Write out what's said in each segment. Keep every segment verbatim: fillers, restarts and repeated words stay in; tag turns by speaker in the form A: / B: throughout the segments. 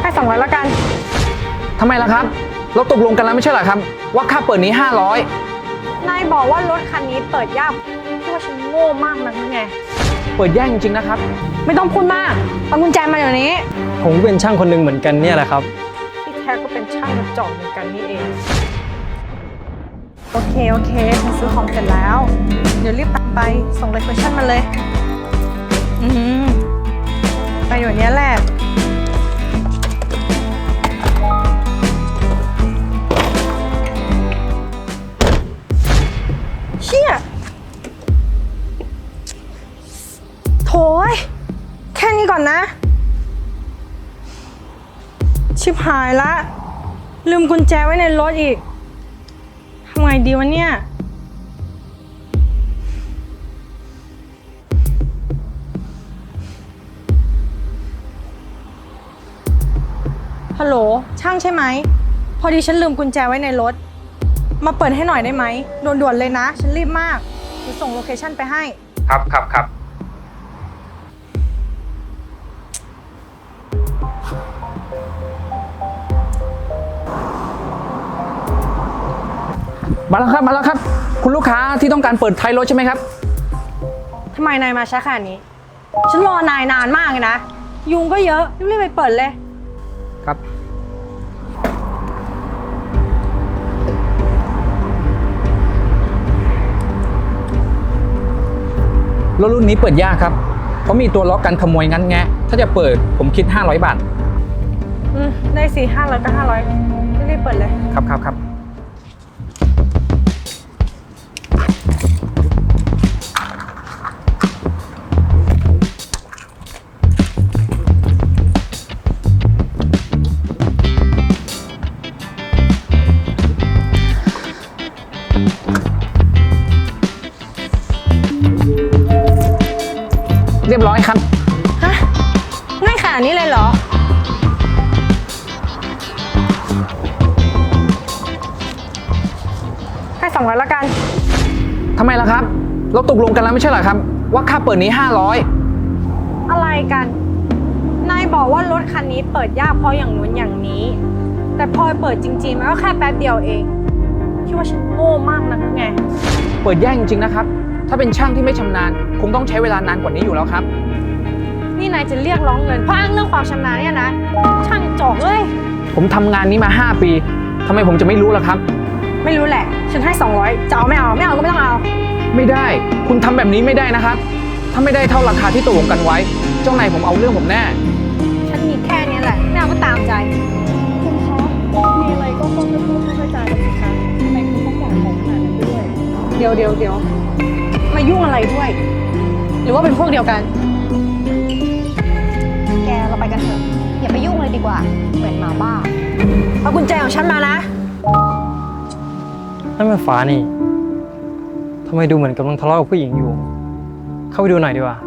A: ให้สองร้อยละกัน
B: ทำไมล่ะครับเราตกลงกันแล้วไม่ใช่เหรอครับว่าค่าเปิดนี้ห้าร้อย
A: นายบอกว่ารถคันนี้เปิดยากที่ว่าฉันโง่มากนักหรือไง
B: เปิดยากจริงๆนะครับ
A: ไม่ต้องพูดมากเอากุญแจมาเดี๋ยวนี้
C: ผมเป็นช่างคนหนึ่งเหมือนกันเนี่ยแหละครับ
A: ที่แท้ก็เป็นช่างกระจอกเหมือนกันนี่เองโอเคโอเคฉันซื้อของเสร็จแล้วเดี๋ยวรีบตัดไปส่งเลคชั่นมาเลยอืมไปเดี๋ยวนี้แหละเชี่ยโถยแค่นี้ก่อนนะชิบหายละลืมกุญแจไว้ในรถอีกทำไงดีวะเนี่ยฮัลโหลช่างใช่ไหมพอดีฉันลืมกุญแจไว้ในรถมาเปิดให้หน่อยได้ไหมด่วนๆเลยนะฉันรีบมากจะส่งโลเคชั่นไปให้
B: ครับครับครับมาแล้วครับมาแล้วครับคุณลูกค้าที่ต้องการเปิดท้ายรถใช่ไหมครับ
A: ทำไมนายมาช้าขนาดนี้ฉันรอนายนานมากเลยนะยุงก็เยอะรีบๆไปเปิดเลย
B: ครับรถรุ่นนี้เปิดยากครับเพราะมีตัวล็อกกันขโมยงั้นแงะถ้าจะเปิดผมคิดห้าร้อยบาท
A: อืมได้สี่ห้าร้อยก็ห้าร้อยรีบเปิดเลย
B: ครับครับครับเรียบร้อยครับ
A: ฮะง่ายขนาดนี้เลยเหรอให้สองร้อยละกัน
B: ทำไมล่ะครับเราตกลงกันแล้วไม่ใช่เหรอครับว่าค่าเปิดนี้ห้าร้อย
A: อะไรกันนายบอกว่ารถคันนี้เปิดยากเพราะอย่างนู้นอย่างนี้แต่พอเปิดจริงๆมันก็แค่แป๊บเดียวเองคิดว่าฉันโง่มากนักไง
B: เปิดยากจริงๆนะครับถ้าเป็นช่างที่ไม่ชำนาญคงต้องใช้เวลานานกว่านี้อยู่แล้วครับ
A: นี่นายจะเรียกร้องเงินเพราะอ้างเรื่องความชำนาญเนี่ยนะช่างจอกเอ้ย
B: ผมทำงานนี้มาห้าปีทำไมผมจะไม่รู้ล่ะครับ
A: ไม่รู้แหละฉันให้สองร้อยจะเอาไม่เอาไม่เอาก็ไม่ต้องเอา
B: ไม่ได้คุณทำแบบนี้ไม่ได้นะครับถ้าไม่ได้เท่าราคาที่ตกลงกันไว้เจ้านายผมเอาเรื่องผมแน่
A: ฉันมีแค่นี้แหละไม่เอาก็ตามใจ
D: คุณคะมีอะไรก็ต้องพูดเข้าใจกันสิคะทำไมคุณต้องบอกของขนาดนั้นด้วย
A: เดี๋ยวเดี๋ยวเดี๋ยวมายุ่งอะไรด้วยหรือว่าเป็นพวกเดียวกัน
D: แกเราไปกันเถอะอย่าไปยุ่งเลยดีกว่าเหมือนหมาบ้า
A: เอากุญแจของฉันมานะ
C: นั่นมันฟ้านี่ทำไมดูเหมือนกำลังทะเลาะกับผู้หญิงอยู่เข้าไปดูหน่อยดีกว่า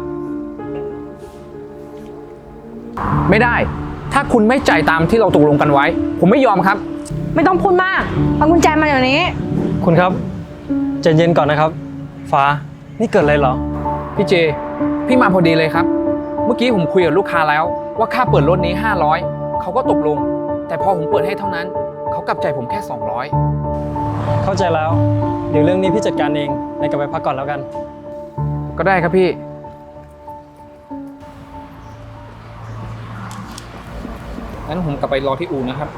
B: ไม่ได้ถ้าคุณไม่จ่ายตามที่เราตกลงกันไว้ผมไม่ยอมครับ
A: ไม่ต้องพูดมากเอากุญแจมาเดี๋ยวนี้
C: คุณครับใจเย็นก่อนนะครับฟ้านี่เกิดอะไรเหรอ
B: พี่เจพี่มาพอดีเลยครับเมื่อกี้ผมคุยกับลูกค้าแล้วว่าค่าเปิดรถนี้ห้าร้อยเขาก็ตกลงแต่พอผมเปิดให้เท่านั้นเขากลับใจผมแค่สองร้อย
C: เข้าใจแล้วเดี๋ยวเรื่องนี้พี่จัดการเองนายกลับไปพักก่อนแล้วกัน
B: ก็ได้ครับพี่งั้นผมกลับไปรอที่อู่นะครับ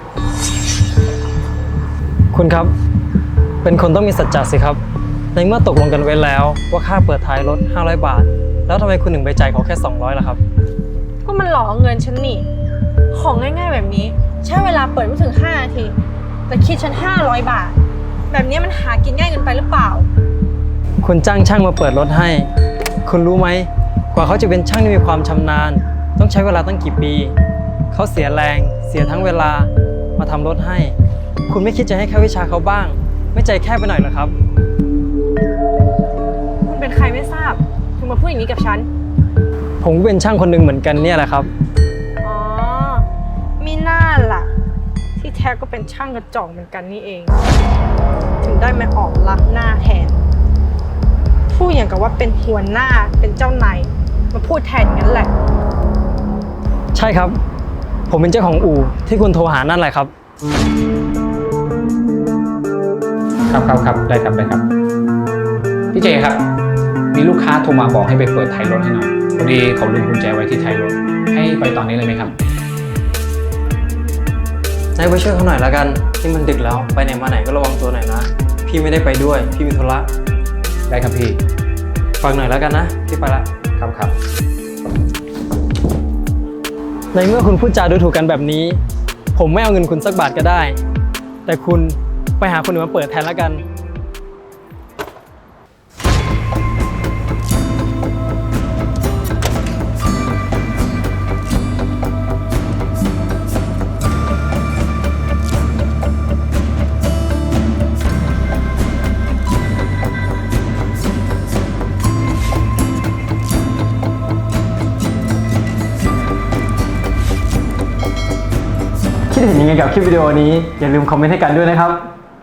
C: คุณครับเป็นคนต้องมีสัจจะสิครับในเมื่อตกลงกันไว้แล้วว่าค่าเปิดท้ายรถห้าร้อยบาทแล้วทำไมคุณถึงไปจ่ายเขาแค่สองร้อยล่ะครับ
A: ก็มันหลอกเงินฉันนี่ของง่ายๆแบบนี้ใช้เวลาเปิดไม่ถึงห้านาทีแต่คิดฉันห้าร้อยบาทแบบนี้มันหากินง่ายเกินไปหรือเปล่า
C: คุณจ้างช่างมาเปิดรถให้คุณรู้ไหมกว่าเขาจะเป็นช่างที่มีความชำนาญต้องใช้เวลาตั้งกี่ปีเขาเสียแรงเสียทั้งเวลามาทำรถให้คุณไม่คิดจะให้แค่วิชาเขาบ้างไม่ใจแคบไปหน่อยเหรอครับ
A: คุณเป็นใครไม่ทราบถึงมาพูดอย่างนี้กับฉัน
C: ผมเป็นช่างคนหนึ่งเหมือนกันเนี่ยแหละครับ
A: อ๋อมีหน้าล่ะที่แท้ก็เป็นช่างกระจอกเหมือนกันนี่เองถึงได้มาออกลักหน้าแทนพูดอย่างกับว่าเป็นหัวหน้าเป็นเจ้านายมาพูดแทนงั้นแหละ
C: ใช่ครับผมเป็นเจ้าของอู่ที่คุณโทรหานั่นแหละครับ
B: ครับครับครับได้ครับได้ครับ พี่เจครับ มีลูกค้าโทรมาบอกให้ไปเปิดท้ายรถให้หน่อยพอดีเขาลืมกุญแจไว้ที่ท้ายรถ ให้ไปตอนนี้เลยไหมครับ
C: นายไปช่วยเขาหน่อยละกันที่มันดึกแล้วไปไหนมาไหนก็ระวังตัวหน่อยนะ พี่ไม่ได้ไปด้วย พี่มีธุระ
B: ได้ครับพี่
C: ฝากหน่อยละกันนะ พี่ไปละ
B: ครับครับ
C: ในเมื่อคุณพูดจาดูถูกกันแบบนี้ ผมไม่เอาเงินคุณสักบาทก็ได้ แต่คุณไปหาคนอื่นมาเปิดแทนละกัน คิดเห็นยังไงกับคลิปวิดีโอนี้ อย่าลืมคอมเมนต์ให้กันด้วยนะครับ